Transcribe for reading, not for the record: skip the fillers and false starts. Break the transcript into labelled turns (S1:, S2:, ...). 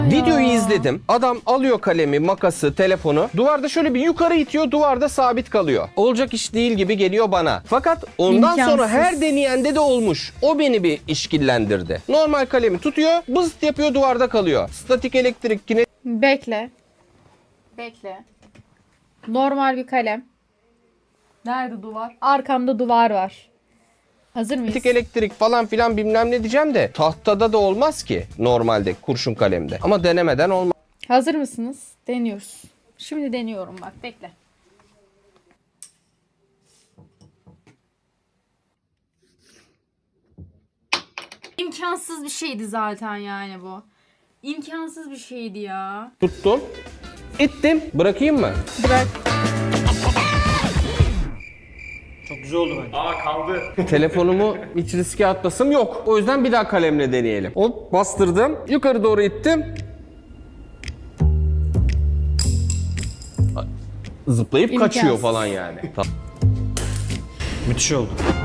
S1: Videoyu izledim. Adam alıyor kalemi, makası, telefonu. Duvarda şöyle bir yukarı itiyor. Duvarda sabit kalıyor. Olacak iş değil gibi geliyor bana. Fakat ondan sonra
S2: İmkansız.
S1: her deneyende de olmuş. O beni bir işkillendirdi. Normal kalemi tutuyor. Bızıt yapıyor, duvarda kalıyor. Statik elektrik, kinetik
S2: Bekle. Bekle. Normal bir kalem. Nerede duvar? Arkamda duvar var. Hazır mıyız?
S1: elektrik falan filan bilmem ne diyeceğim de tahtada da olmaz ki normalde kurşun kalemde. Ama denemeden olmaz.
S2: Hazır mısınız? Deniyoruz. Şimdi deniyorum bak. Bekle. İmkansız bir şeydi zaten yani bu. İmkansız bir şeydi ya.
S1: Tuttum. İttim. Bırakayım mı?
S2: Bırak.
S3: Çok güzel oldu bence. Aa kaldı.
S1: Telefonumu hiç riske atmasım yok. O yüzden bir daha kalemle deneyelim. Hop bastırdım. Yukarı doğru ittim. Zıplayıp
S2: İmkansız.
S1: kaçıyor falan yani.
S3: Müthiş oldu.